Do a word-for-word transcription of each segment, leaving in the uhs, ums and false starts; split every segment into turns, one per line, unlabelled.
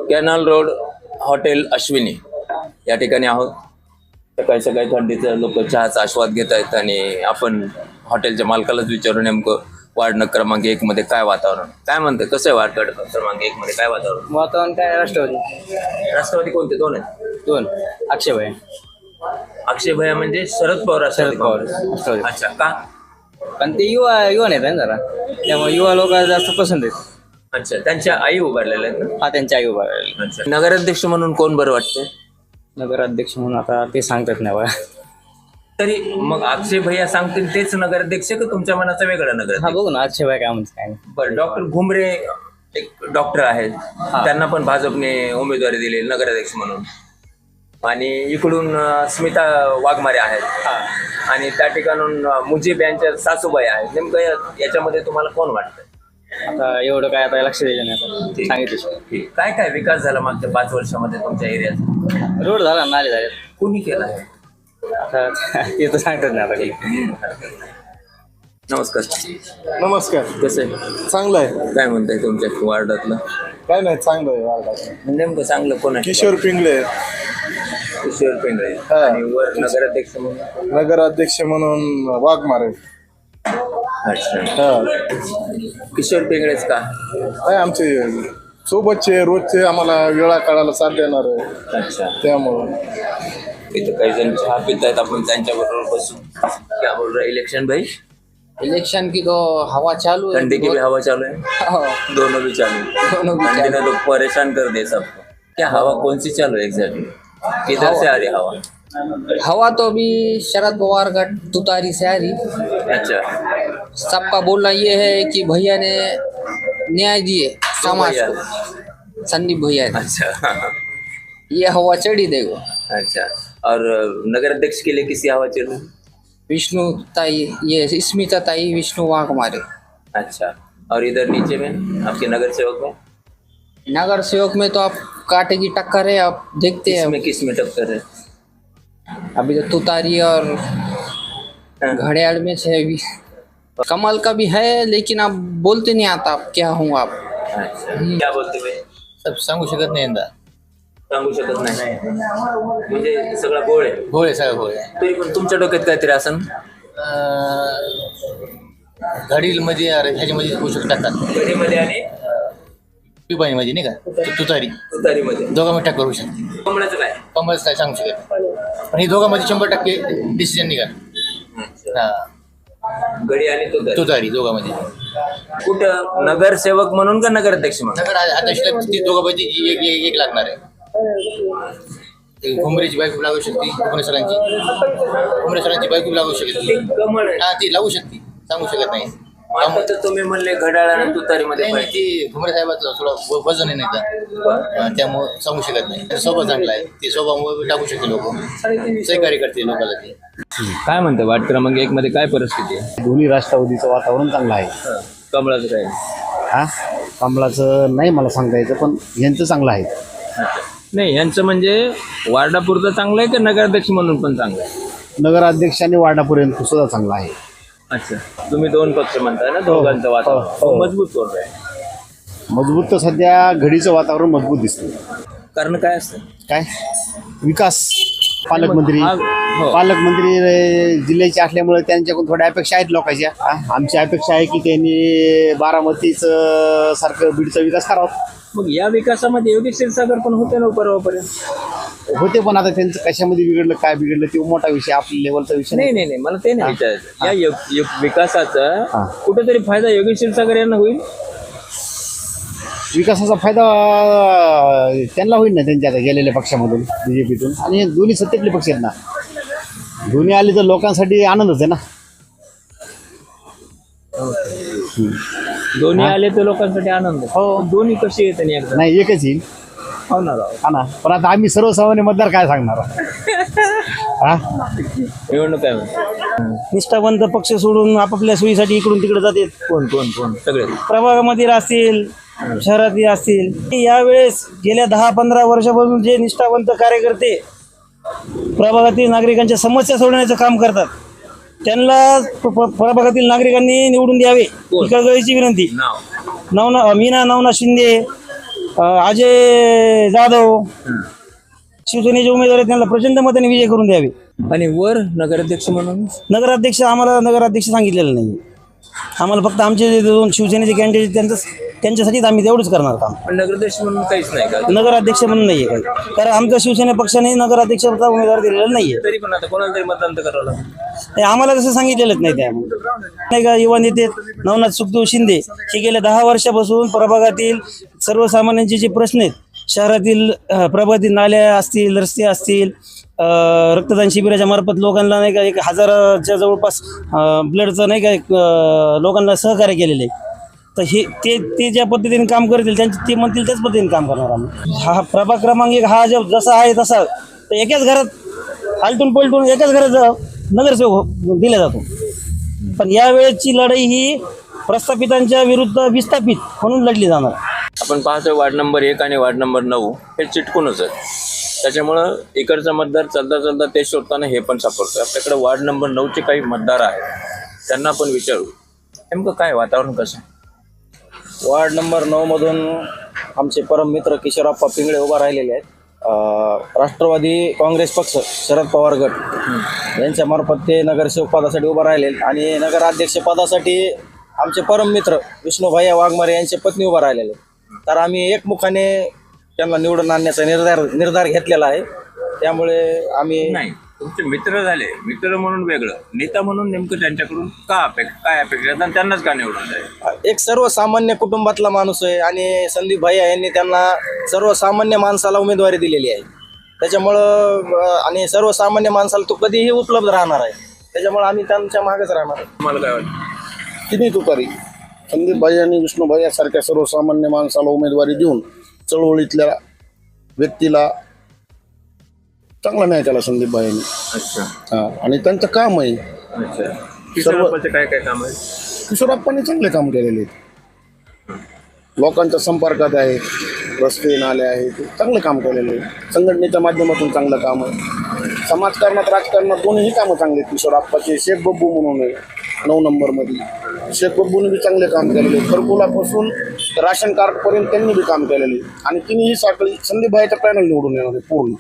Canal road hotel Ashwini या ठिकाणी आहोत. सकाळी सकाळी थंडीचं लोक चहाचा आस्वाद घेत आहेत आणि आपण हॉटेलच्या मालकालाच विचारू नेमकं वार्ड क्रमांक एक मध्ये काय वातावरण काय म्हणतं, कसं आहे वार्ड क्रमांक एक मध्ये काय वातावरण?
वातावरण काय राष्ट्रवादी
राष्ट्रवादी कोणते दोन आहेत?
दोन अक्षय भाई
अक्षय भैया म्हणजे शरद पवार राष्ट्रवादी
शरद पवार
काँग्रेस.
राष्ट्रवादी.
अच्छा का?
पण ते युवा युवा नेता आहे ना जरा, त्यामुळे युवा लोक जास्त पसंत आहेत.
अच्छा, त्यांच्या आई उभारलेल्या आहेत ना?
हा त्यांच्या आई उभा राहिला.
अच्छा, नगराध्यक्ष म्हणून कोण बरं वाटतंय?
नगराध्यक्ष म्हणून आता ते सांगतात नाही बघा.
तरी मग अक्षय भैया सांगतील तेच नगराध्यक्ष का तुमच्या मनाचा वेगळा
हा
नगराध्यक्ष?
बघू ना अक्षय भाई काय म्हणते काय नाही.
बरं, डॉक्टर घुमरे एक डॉक्टर आहेत, त्यांना पण भाजपने उमेदवारी दिली नगराध्यक्ष म्हणून. आणि इकडून अं, स्मिता वाघमारे आहेत आणि त्या ठिकाणून अं, मुजीब यांच्या सासूबाई आहेत. नेमकं या- याच्यामध्ये तुम्हाला कोण वाटतं?
आता एवढं काय आता लक्ष द्यायचं नाही आता
ठीक.
सांगितलं.
ठीक. काय काय विकास झाला मागच्या पाच वर्षामध्ये तुमच्या एरियात?
रोड झाला नाले झाले
कुणी केला आहे?
आता ते तर सांगतात नाही आता काही.
नमस्कार.
नमस्कार.
कसं आहे?
चांगलं आहे.
काय म्हणताय तुमच्या वार्डातलं?
काय नाही चांगलं आहे वार्डाचं.
नेमकं चांगलं कोण आहे?
किशोर पिंगळे
किशोर पिंगळे.
हा.
आणि वर नगराध्यक्ष म्हणून?
नगराध्यक्ष म्हणून वाघमारे.
अच्छा,
हा
किशोर पिंगळेच का?
काय आमचे सोबतचे रोजचे आम्हाला वेळा काढायला साथ देणार आहे
अच्छा,
त्यामुळं.
इथं काही जण चहा पित आहेत, आपण त्यांच्या बरोबर बसू. क्या बोल रहा है इलेक्शन भाई?
इलेक्शन की तो हवा चालू है.
ठंडी की भी हवा चालू है,
हाँ,
दोनों भी चालू है.
दोनों भी
ठंडी
चालू
ने तो परेशान कर दिया सबको. क्या हवा कौन सी चालू है एग्जैक्टली? किधर से आ रही हवा?
हवा तो अभी शरद पवार का तुतारी से आ रही.
अच्छा,
सबका बोलना ये है कि भैया ने न्याय दिए समाज
भैया?
को, संदीप भैया ने.
अच्छा.
ये हवा चढ़ी देखो.
अच्छा, और नगर अध्यक्ष के लिए किसी हवा चल रही?
विष्णु ताई, ये स्मिता ताई विष्णु वाघमारे.
अच्छा, और इधर नीचे में आपके नगर सेवक में?
नगर सेवक में तो आप कांटे की टक्कर है, आप देखते हैं.
किसमें किसमें टक्कर है?
अभी तो तुतारी और
हाँ.
घड़ियाल में से अभी कमल का भी है, लेकिन आप बोलते नहीं आता आप क्या हूँ आप.
अच्छा, क्या बोलते भाई?
सब सांगू शकत नाही यंदा.
सांगू शकत नाही म्हणजे सगळा गोळ आहे.
होय सगळं होय.
तरी पण तुमच्या डोक्यात काहीतरी असन?
घडील मध्ये ह्याच्यामध्ये होऊ शकतात
घडीमध्ये आणि
पिपाणीमध्ये नाही का तुतारी
तुतारीमध्ये.
दोघांमध्ये टक्कर होऊ शकते.
कमळाचं काय?
कमलच काय सांगू शकत नाही. पण हे दोघांमध्ये शंभर टक्के डिसिजन निघाल.
अच्छा.
हा
घडी आणि तुतारी.
तुतारी दोघांमध्ये.
कुठं नगरसेवक म्हणून का नगराध्यक्ष म्हणून?
नगर अध्यक्षला ती दोघांमध्ये एक एक एक लागणार आहे. ते घुमरेची बायको लागू शकते, घुमरे सरांची घुमरे सरांची बायको लागू
ते
शकते.
कमळ आहे.
हा ती लागू शकते, सांगू शकत नाही.
आता तर तुम्ही म्हणले घड्याळ आणि तुतारीमध्ये
नाही नाही,
फरक.
ती घुमरे साहेबाचं थोडं व- वजन आहे नाही का, त्यामुळे सांगू शकत नाही. स्वभाव चांगला आहे, ती स्वभाव टाकू शकते लोक, सहकार्य करते लोकांना ती.
काय म्हणते वार्ड क्रमांक एक मध्ये काय परिस्थिती आहे?
दोन्ही राष्ट्रवादीचं वातावरण चांगलं आहे.
कमळाचं काय?
हा कमलाचं नाही मला सांगता यायचं, पण यांचं चांगलं आहे.
नाही, यांचं म्हणजे वार्डापुरतं चांगलं आहे का नगराध्यक्ष म्हणून पण चांगलं आहे?
नगराध्यक्ष आणि वार्डापर्यंत सुद्धा चांगलं आहे.
अच्छा, तुम्ही दोन पक्ष म्हणताय ना, दोघांचं
हो,
वातावरण
हो.
मजबूत करून आहे.
मजबूत तर सध्या घडीचं वातावरण मजबूत दिसतं.
कारण काय असतं?
काय विकास पालकमंत्री
हा, हो.
पालकमंत्री अं, जिल्ह्याचे असल्यामुळे त्यांच्याकडून थोड्या अपेक्षा आहेत लोकांच्या. हा, आमची अपेक्षा आहे की त्यांनी बारामतीचं सारखं बीडचा विकास करावा.
मग या विकासामध्ये योगेश क्षीरसागर पण होते ना परवापर्यंत.
होते, पण आता त्यांचं कशामध्ये बिघडलं काय बिघडलं ते मोठा विषय, आपल्या लेवलचा विषय
नाही
नाही.
नाही नाही मला ते नाही विचारायचं. या यो- यो- विकासाचा
हा.
कुठेतरी फायदा योगेश क्षीरसागर यांना होईल.
विकासाचा फायदा अं, त्यांना होईल ना, त्यांच्या आता गेलेल्या पक्षामधून बीजेपीतून. आणि हे दोन्ही सत्तेतले पक्ष आहेत ना, दोन्ही आले तर लोकांसाठी आनंदच आहे ना.
दोन्ही आले तर लोकांसाठी आनंद.
हो.
दोन्ही कशी येत नाही एकदा
नाही एकच येईल.
होणार
हा ना, पण आता आम्ही सर्वसामान्य मतदार काय सांगणार. हा
निवडणूक काय म्हणते?
निष्ठावंत पक्ष सोडून आपापल्या सोयीसाठी इकडून तिकडे जातात.
कोण कोण कोण सगळे?
प्रभागामध्ये असतील, शहरातील असतील. यावेळेस गेल्या दहा पंधरा वर्षापासून जे निष्ठावंत कार्यकर्ते प्रभागातील नागरिकांच्या समस्या सोडवण्याचं काम करतात, त्यांना प- प- प्रभागातील नागरिकांनी निवडून द्यावे ही कळकळीची विनंती.
नाव?
नवना मीना नवनाथ शिंदे, अं, अजय जाधव शिवसेनेचे उमेदवार आहेत, त्यांना प्रचंड मताने विजय करून द्यावे.
आणि वर नगराध्यक्ष म्हणून
नगराध्यक्ष आम्हाला नगराध्यक्ष सांगितलेलं नाही. आम्हाला फक्त आमचे जे दोन शिवसेनेचे कॅन्डिडेट त्यांचं त्यांच्यासाठीच आम्ही तेवढंच करणार काम.
पण नगराध्यक्ष म्हणून काहीच नाही का?
नगराध्यक्ष म्हणून नाहीये काही, कारण आमच्या शिवसेना पक्षाने नगराध्यक्षाचा उमेदवार दिलेला नाहीये.
तरी पण आता कोणाला तरी मतदान तर करावं लागेल.
हे आम्हाला कसं सांगितलेलंच नाही त्या नाही का. युवा नेते नवनाथ सुखदेव शिंदे हे गेल्या दहा वर्षापासून प्रभागातील सर्वसामान्यांचे जे प्रश्न आहेत, शहरातील अं, प्रभागातील नाल्या असतील, रस्ते असतील, अं, रक्तदान शिबिराच्या मार्फत लोकांना नाही का एक हजाराच्या जवळपास अं, ब्लडचं नाही का एक, अं, लोकांना सहकार्य केलेलं आहे. तर हे ते ते ज्या पद्धतीने काम करतील त्यांचे ते म्हणतील त्याच पद्धतीने काम करणार आम्ही. हा प्रभाग क्रमांक एक हा जो जसा आहे तसा तर एकाच घरात आलटून पलटून एकाच घरात नगरसेवक दिला जातो. पण यावेळेची लढाई ही प्रस्थापितांच्या विरुद्ध विस्थापित म्हणून लढली जाणार.
आपण पाहतोय वार्ड नंबर एक आणि वार्ड नंबर नऊ हे चिटकूनच आहे. त्याच्यामुळं इकडचा मतदार चालता चालता ते शोधताना हे पण सापडतं. आपल्याकडे वार्ड नंबर नऊचे काही मतदार आहेत, त्यांना आपण विचारू नेमकं काय वातावरण कसं आहे.
वार्ड नंबर नऊ मधून आमचे परम मित्र किशोरप्पा पिंगळे उभा राहिलेले आहेत. अं, राष्ट्रवादी काँग्रेस पक्ष शरद पवार गट यांच्या मार्फत ते नगरसेवक पदासाठी उभा राहिले आणि नगराध्यक्ष पदासाठी आमचे परम मित्र विष्णुभाई वाघमारे यांचे पत्नी उभा राहिलेले. तर आम्ही एकमुखाने त्यांना निवडून आणण्याचा निर्धार निर्धार घेतलेला आहे. त्यामुळे आम्ही
नाही, तुमचे मित्र झाले, मित्र म्हणून वेगळं, नेता म्हणून नेमकं त्यांच्याकडून का अपेक्षा काय अपेक्षा आहेत आणि त्यांनाच का निवडून जाईल.
एक सर्वसामान्य कुटुंबातला माणूस आहे आणि संदीप भैया यांनी त्यांना सर्वसामान्य माणसाला उमेदवारी दिलेली आहे. त्याच्यामुळं अं, आणि सर्वसामान्य माणसाला तो कधीही उपलब्ध राहणार आहे. त्याच्यामुळे आम्ही त्यांच्या मागेच राहणार.
तुम्हाला काय वाटतं.
तिन्ही तुतारी संदीप भाई आणि विष्णुभाई यासारख्या सर्वसामान्य माणसाला उमेदवारी देऊन चळवळीतल्या व्यक्तीला चांगला न्याय केला संदीप भाईंनी.
अच्छा
हा, आणि त्यांचं काम आहे.
अच्छा किशोरप्पाचे काय काय काम आहे.
किशोरप्पांनी चांगले काम केलेले आहेत. लोकांच्या संपर्कात आहे, रस्ते नाले आहेत, चांगलं काम केलेलं आहे. संघटनेच्या माध्यमातून चांगलं काम आहे. समाजकारणात राजकारणात दोन्हीही कामं चांगले आहेत. किशोरप्पाचे शेख बब्बू म्हणून आहे नऊ नंबरमध्ये, शेख बब्बूने बी चांगले काम केलेले. घरकुलापासून राशन कार्डपर्यंत त्यांनी बी काम केलेले आणि तिन्ही साखळी संदीप भाईच्या पॅनल निवडून येणार आहे पूर्ण.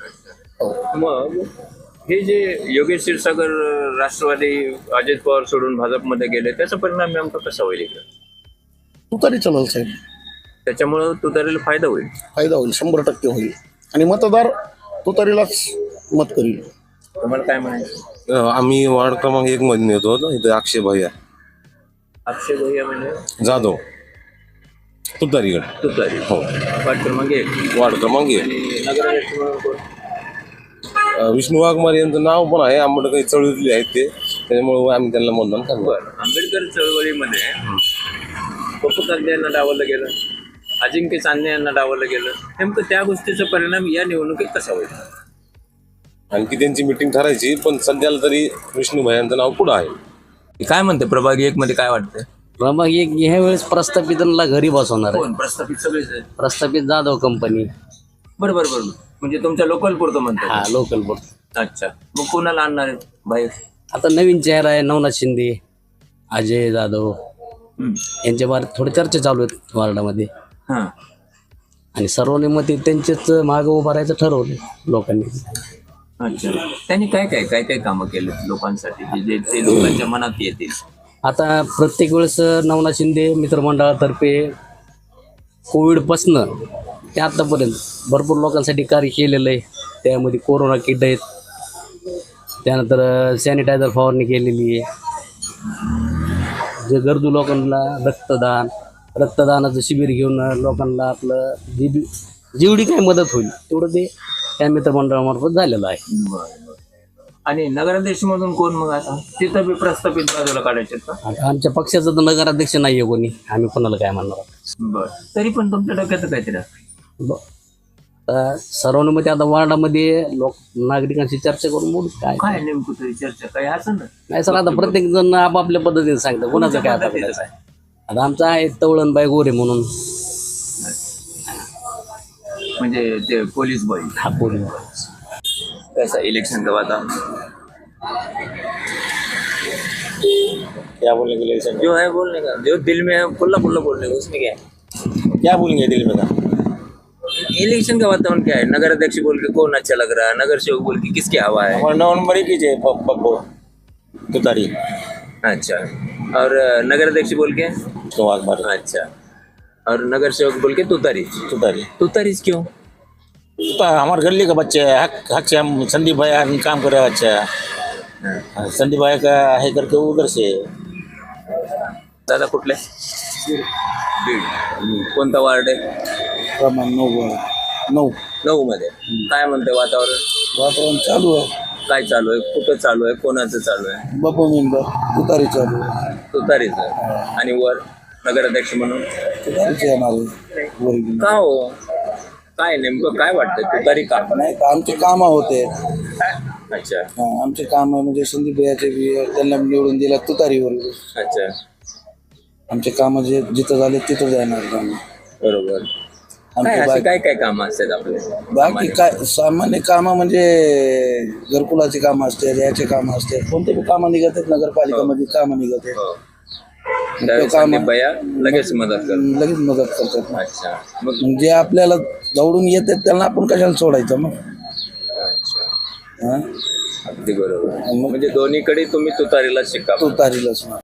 मग हे जे योगेश क्षीरसागर राष्ट्रवादी अजित पवार सोडून भाजपमध्ये गेले त्याचा परिणाम नेमका कसा होईल इकडे.
तुतारी चलल साहेब,
त्याच्यामुळं तुतारीला फायदा होईल.
फायदा होईल, शंभर टक्के होईल आणि मतदार तुतारीलाच मत करील.
तुम्हाला काय म्हणायचं.
आम्ही वार्ड क्रमांक एक मध्ये येतो ना, इथे अक्षय भैया
अक्षय भैया म्हणजे
जाधव तुतारीगड.
तुतारी
हो,
वार्ड क्रमांक एक.
वार्ड क्रमांक एक.
आणि नगराध्यक्ष म्हणून कोण.
अं, विष्णू वाघमारे यांचं नाव पण आहे, आम्हाला काही चळवळीतले आहेत ते, त्याच्यामुळे आम्ही त्यांना मतदान करणार.
बरं, आंबेडकर चळवळीमध्ये पप्पू चांदे यांना डावललं गेलं, अजिंक्य चांदे यांना डावललं गेलं. नेमकं त्या गोष्टीचा परिणाम या निवडणुकीत कसा होईल.
आणखी त्यांची मिटिंग ठरायची, पण सध्याला तरी विष्णू भैयांचं नाव पुढं आहे.
काय म्हणते प्रभाग एक मध्ये काय वाटतं.
प्रभाग एक ह्या वेळेस प्रस्थापितांना घरी बसवणार आहे.
कोण प्रस्थापित सगळेच आहेत.
प्रस्थापित जाधव कंपनी.
बरोबर बरोबर, म्हणजे तुमच्या लोकल पुरतं म्हणतात.
हा, लोकल बोर्ड.
अच्छा, मग कोणाला आणणार आहेत बाहेर.
आता नवीन चेहरा आहे नवनाथ शिंदे, अजय जाधव
हम्म.
यांच्या बारे थोडे चर्चा चालू आहेत वार्डामध्ये
हां
आणि सर्वानुमते त्यांचेच मागं उभं राहायचं ठरवलं लोकांनी.
अच्छा, त्यांनी काय काय काय काय कामं केले लोकांसाठी की जे ते लोकांच्या मनात येतील.
आता प्रत्येक वेळेस नवनाथ शिंदे मित्रमंडळातर्फे कोविडपासनं ते आत्तापर्यंत भरपूर लोकांसाठी कार्य केलेलं आहे. त्यामध्ये कोरोना किट आहेत, त्यानंतर सॅनिटायझर फवारणी केलेली आहे. जे गरजू लोकांना रक्तदान रक्तदानाचं शिबिर घेऊन लोकांना आपलं जी बी जेवढी काही मदत होईल तेवढं ते त्या मित्रमंडळामार्फत झालेलं आहे.
आणि नगराध्यक्ष मधून कोण मग आता तिथं बी प्रस्थापित बाजूला काढायचे का.
आता आमच्या पक्षाचा तर नगराध्यक्ष नाही आहे कोणी, आम्ही कोणाला काय म्हणणार आहोत.
बरं, तरी पण तुमच्या डोक्यात काहीतरी असतं.
ब- आता सर्वानुमते आता वार्डामध्ये लोक नागरिकांशी चर्चा करून बोलू काय
काय नेमकं तरी चर्चा काही असं ना.
नाही सर, आता प्रत्येक जण आपापल्या पद्धतीने सांगतं कोणाचं काय आता करायचं आहे. आता आमचा आहे तवळणबाई गोरे म्हणून
म्हणजे ते पोलीस बॉय.
हा पोरी
कैसा इलेक्शन का वातावरण.
क्या बोलने के लिए सर,
जो है बोलने का, जो दिल में है खुला खुला बोलने का, उसमें क्या है.
क्या बोलेंगे दिल में का.
इलेक्शन का वातावरण क्या है? नगर अध्यक्ष बोल के कौन अच्छा लग रहा है, नगर सेवक बोल के किसकी हवा है?
और नौ नंबर ही कीजिए पप्पू तुतारी
अच्छा, और अ, नगर अध्यक्ष बोल के?
वाघमारे
अच्छा, और नगर सेवक बोल के तुतारी।
तुतारी
तुतारीच क्यों?
हमारे गली का बच्चे है, हक हक से हम संदीप भैया काम कर रहे हैं अच्छा संदीप भैया का है करके उधर से
दादा कुठले? बीड. कोणता वार्ड आहे?
प्रमाण नऊ नऊ
नऊ मध्ये. काय म्हणते वातावरण?
वातावरण चालू आहे.
काय चालू आहे? कुठं चालू आहे? कोणाचं चालू आहे?
बापू मेंबर तुतारी चालू आहे.
तुतारीचं. आणि वर नगराध्यक्ष म्हणून
तुतारीचे येणार आहे. वरील.
का हो? काय नेमकं काय वाटतं तुतारी का?
नाही आमचे कामं होते.
अच्छा
हा, आमचे काम म्हणजे संदीप भैयाचे बी त्यांना निवडून दिला तुतारीवर.
अच्छा,
आमचे काम जे जिथं झाले तिथं जाणार काम.
बरोबर. काय
आमचे
असे
बाकी
काय काय कामं असतात आपले?
बाकी काय सामान्य कामं म्हणजे घरकुलाची कामं असतात, याचे कामं असतात, कोणते बी कामं निघत आहेत नगरपालिकामध्ये कामं निघत आहेत.
हो. त्यावेळी संदीप भैया लगेच मदत करतात.
लगेच मदत करतात.
अच्छा, मग
मग जे आपल्याला दौडून येतात त्यांना आपण कशाला सोडायचं मग.
अच्छा,
हा?
अगदी बरोबर. म्हणजे दोन्हीकडे तुम्ही तुतारीला शिका.
तुतारीलाच ना.